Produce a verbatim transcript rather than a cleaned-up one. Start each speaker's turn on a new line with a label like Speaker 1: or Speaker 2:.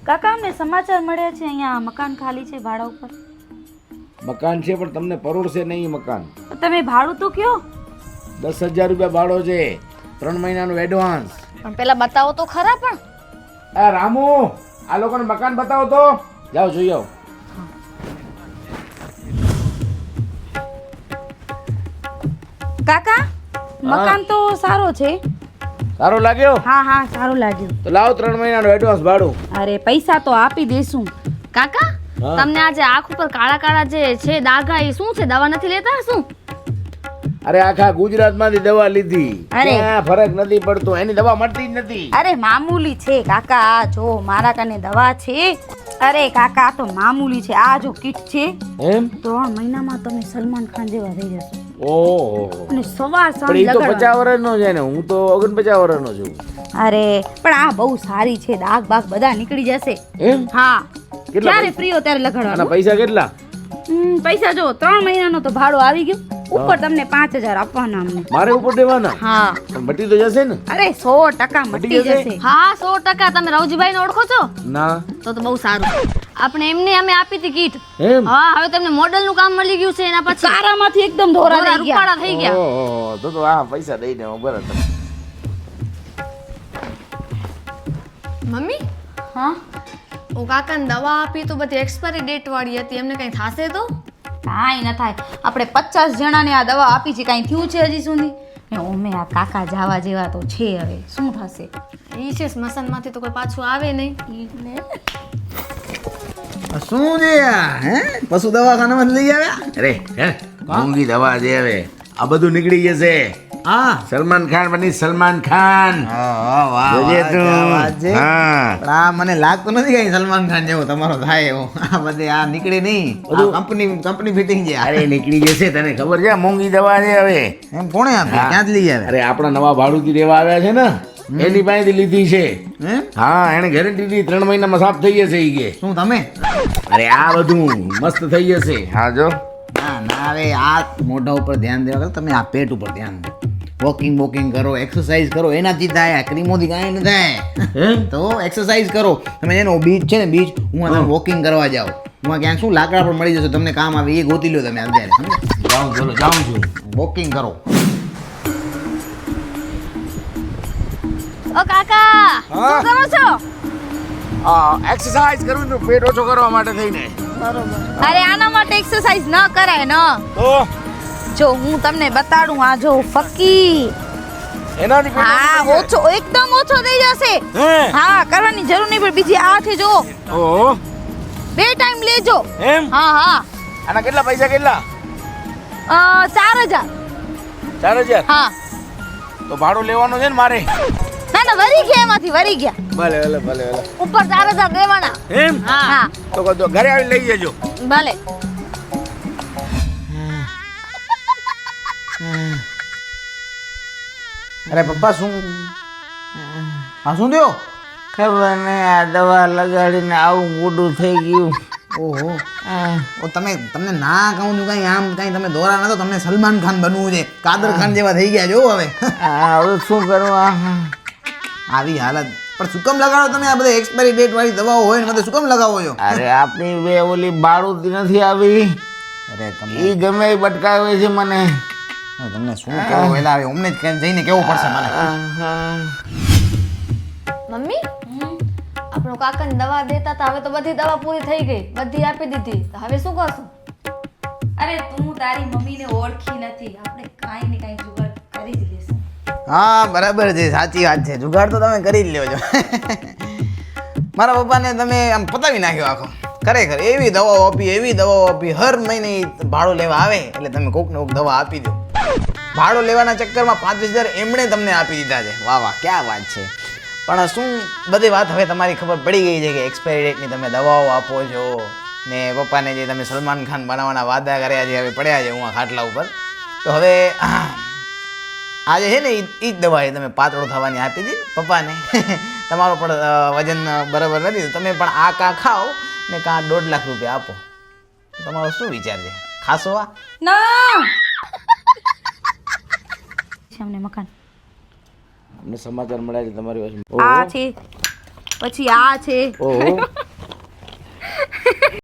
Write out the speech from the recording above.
Speaker 1: કાકા અમને સમાચાર મળ્યા છે અહીંયા મકાન ખાલી છે ભાડા ઉપર.
Speaker 2: મકાન છે પણ તમને પરોડશે નહીં મકાન.
Speaker 1: તો તમે ભાડું તો કયો.
Speaker 2: દસ હજાર રૂપિયા ભાડો છે, ત્રણ મહિનાનું એડવાન્સ.
Speaker 3: પણ પેલા બતાવો તો ખરા. પણ
Speaker 2: આ રામુ, આ લોકોને મકાન બતાવો તો. જાઓ જોઈ આવો.
Speaker 1: કાકા મકાન તો સારો છે.
Speaker 2: સારો લાગ્યો?
Speaker 1: હા હા સારું લાગ્યું.
Speaker 2: તો લાવો ત્રણ મહિનાનું એડવાન્સ ભાડું.
Speaker 1: અરે પૈસા તો આપી દેશું.
Speaker 3: કાકા
Speaker 2: હા.
Speaker 3: તમને આજે આંખ ઉપર કાળા કાળા જે છે દાગા એ શું છે? દવા નથી લેતા શું?
Speaker 2: અરે આખા ગુજરાતમાંથી દવા લીધી,
Speaker 1: અરે.
Speaker 2: ક્યાં ફરક નથી પડતો. એની દવા મળતી જ નથી.
Speaker 1: અરે મામૂલી છે કાકા. આ જો મારા કને દવા છે. અરે કાકા આ તો મામૂલી છે. આ જો કીટ છે.
Speaker 2: એમ?
Speaker 1: ત્રણ મહિનામાં તમે સલમાન ખાન જેવા થઈ જશો.
Speaker 2: ઓહો.
Speaker 1: અને સવાર સાંજ
Speaker 2: પણ એ તો
Speaker 1: લગાડવાનું.
Speaker 2: પચાસ વર્ષનો છે ને, હું તો ઓગણપચાસ વર્ષનો છું.
Speaker 1: અરે પણ આ બહુ સારી છે. દાગ બાગ બધા નીકળી જશે.
Speaker 2: એમ?
Speaker 1: હા
Speaker 2: કેટલા
Speaker 1: જ્યારે
Speaker 2: પૈસા?
Speaker 1: ફ્રી હો ત્યારે
Speaker 2: આના
Speaker 1: લગાડવાનું.
Speaker 2: પૈસા કેટલા?
Speaker 1: હમ, પૈસા જો ત્રણ મહિનાનો તો ભાડું આવી ગયું. ઉપર તમને પાંચ હજાર આપવાના અમને.
Speaker 2: મારે ઉપર દેવાના?
Speaker 1: હા
Speaker 2: પણ મટી તો જશે ને?
Speaker 1: અરે સો ટકા મટી
Speaker 2: જશે?
Speaker 1: જશે.
Speaker 3: હા સો ટકા. તમે રવજીભાઈ ને ઓળખો છો?
Speaker 2: ના.
Speaker 3: તો તો બહુ સારું. આપણે એમને અમે આપી હતી કીટ.
Speaker 2: એમ?
Speaker 3: હા હવે તમને મોડલ નું કામ મળી ગયું છે. એના પછી
Speaker 1: સારામાંથી એકદમ ધોરા
Speaker 3: ધોરા
Speaker 1: થઈ ગયા.
Speaker 3: રૂપાળા થઈ ગયા.
Speaker 2: ઓહો, તો તો આ પૈસા દઈ દે બરાબર.
Speaker 3: મમ્મી
Speaker 1: હા
Speaker 3: ઓ કાકાને દવા આપી તો બધી એક્સપાયરી ડેટ વાળી હતી. એમને કઈ થાશે તો?
Speaker 1: કાંઈ ન થાય. આપણે પચાસ જણાને આ દવા આપી છે. કાંઈ થયું છે હજી સુધી? ને ઓમે આ કાકા જાવા જેવા તો છે. હવે શું થશે?
Speaker 3: ઈ છે સ્મશાન માંથી તો કોઈ પાછું આવે નહીં.
Speaker 4: શું છે આ હે પશુ દવાખાનામાં જ લઈ આવ્યા?
Speaker 2: અરે હે મોંઘી દવા છે હવે. આ બધું નીકળી જશે.
Speaker 4: હા
Speaker 2: સલમાન ખાન બની સલમાન ખાન.
Speaker 4: વાહ વાહ
Speaker 2: જોજે
Speaker 4: વાહ,
Speaker 2: તું.
Speaker 4: ક્યાં વાત છે.
Speaker 2: હા.
Speaker 4: પણ આ મને લાગતું નથી કઈ સલમાન ખાન જેવો તમારો થાય એવો. આ બધે આ નીકળે નહીં.
Speaker 2: બધું-
Speaker 4: કંપની કંપની ફિટિંગ છે આ.
Speaker 2: અરે નીકળી જશે. તને ખબર છે મોંઘી દવા છે હવે.
Speaker 4: એમ કોણે આપી
Speaker 2: હા.
Speaker 4: ક્યાંથી લઈ આવ્યા?
Speaker 2: અરે આપણા નવા ભાડુતી રહેવા આવ્યા છે ને, એની પાસેથી લીધી છે.
Speaker 4: એમ
Speaker 2: હા, એને ગેરંટી દીધી ત્રણ મહિનામાં સાફ થઈ જશે ઈ કે.
Speaker 4: શું તમે?
Speaker 2: અરે આ બધું મસ્ત થઈ જશે. હા જો.
Speaker 4: ના ના હવે આ મોઢા ઉપર ધ્યાન દેવા કરતા તમે આ પેટ ઉપર ધ્યાન દો. વોકિંગ વોકિંગ કરો, એક્સરસાઇઝ કરો, એનાથી થાય. આ ક્રીમોથી કાંઈ ન થાય.
Speaker 2: એમ?
Speaker 4: તો એક્સરસાઇઝ કરો તમે. એનો બીચ છે ને બીચ, હું તમે વોકિંગ કરવા જાઓ. હું ક્યાંક શું લાકડા પર મળી જશે, તમને કામ આવે એ ગોતી લો તમે અત્યારે. સમજ્યા?
Speaker 2: જાઉં ચલો જાઉં છું.
Speaker 4: વોકિંગ કરો.
Speaker 3: ઓ કાકા
Speaker 2: હા?
Speaker 3: શું કરો છો?
Speaker 2: આ એક્સરસાઇઝ કરવું છું પેટ ઓછો કરવા માટે થઈને.
Speaker 1: અરે આના માટે એક્સરસાઇઝ ન કરાય ન.
Speaker 2: તો
Speaker 1: જો હું તમને બતાડું. આ જો ફકી.
Speaker 2: એનાથી પેટ
Speaker 1: હા
Speaker 2: ઓછું
Speaker 1: ઓછો એકદમ ઓછો થઈ જશે.
Speaker 2: હે?
Speaker 1: હા કરવાની જરૂર નહીં પણ બીજી આ છે જો.
Speaker 2: ઓહો.
Speaker 1: બે ટાઈમ લેજો.
Speaker 2: એમ?
Speaker 1: હા હા
Speaker 2: આના કેટલા પૈસા કેટલા?
Speaker 1: અ, ચાર હજાર.
Speaker 2: ચાર હજાર.
Speaker 1: હા
Speaker 2: તો ભાડું લેવાનું છે ને મારે.
Speaker 1: ના ના વરી ગયા એમાંથી વરી ગયા.
Speaker 2: ભલે ભલે ભલે ભલે.
Speaker 3: ઉપર ચાર હજાર દેવાના.
Speaker 2: એમ?
Speaker 3: હા
Speaker 1: હા
Speaker 2: તો કહો તો ઘરે આવી લઈ જજો.
Speaker 3: ભલે.
Speaker 4: અરે પપ્પા શું હા શું થયો?
Speaker 5: ખબર ને આ દવા લગાડીને આવું મોડું થઈ ગયું.
Speaker 4: ઓહો ઓ તમે તમને ના કહું છું કઈ આમ કઈ તમે દોરા નતો. તમને સલમાન ખાન બનવું છે. કાદર ખાન જેવા થઈ ગયા જો હવે.
Speaker 5: આ હવે શું કરવા?
Speaker 4: આવી હાલત. પણ શું કામ લગાડો તમે આ બધા એક્સપાયરી ડેટ વાળી દવાઓ હોય ને બધે શું કામ લગાવો છો?
Speaker 5: અરે આપણી બે ઓલી બાળુતી નથી આવી,
Speaker 4: અરે તમને
Speaker 5: એ ગમે એ બટકાવે છે મને.
Speaker 4: તમને શું કહેવું એલા હવે અમને જ ક્યાંક જઈને કેવું પડશે મને.
Speaker 3: મમ્મી આપણો કાકાને દવા દેતા હતા. હવે તો બધી દવા પૂરી થઈ ગઈ. બધી આપી દીધી. તો હવે શું કરશું?
Speaker 1: અરે તું તારી મમ્મીને ઓળખી નથી. આપણે કાંઈ ને કાંઈ જુગાડ કરી જ લેશું.
Speaker 4: હા બરાબર છે, સાચી વાત છે. જુગાડ તો તમે કરી જ લ્યો છો. મારા પપ્પાને તમે આમ પતાવી નાખ્યો આખો. ખરેખર એવી દવાઓ આપી એવી દવાઓ આપી. હર મહિને ઈ ભાડો લેવા આવે એટલે તમે કોક ને કોક દવા આપી દો. ભાડો લેવાના ચક્કરમાં પાંત્રીસ હજાર એમણે તમને આપી દીધા છે. વાહ વાહ ક્યાં વાત છે. પણ શું બધી વાત હવે તમારી ખબર પડી ગઈ છે કે એક્સપાયરી ડેટની તમે દવાઓ આપો છો ને પપ્પાને જે તમે સલમાન ખાન બનાવવાના વાદા કર્યા છે હવે પડ્યા છે હું આ ખાટલા ઉપર. તો હવે આજે છે ને એ જ દવા તમે પાતળો થવાની આપી હતી પપ્પાને. તમારો પણ વજન બરાબર નથી. તમે પણ આ કાં ખાઓ ને કાં દોઢ લાખ રૂપિયા આપો. તમારો શું વિચાર છે? ખાશો આ?
Speaker 1: ના અમને મકાન
Speaker 2: અમને સમાચાર મળ્યા છે તમારી પાસે.
Speaker 1: આ છે પછી આ છે.
Speaker 2: ઓહો.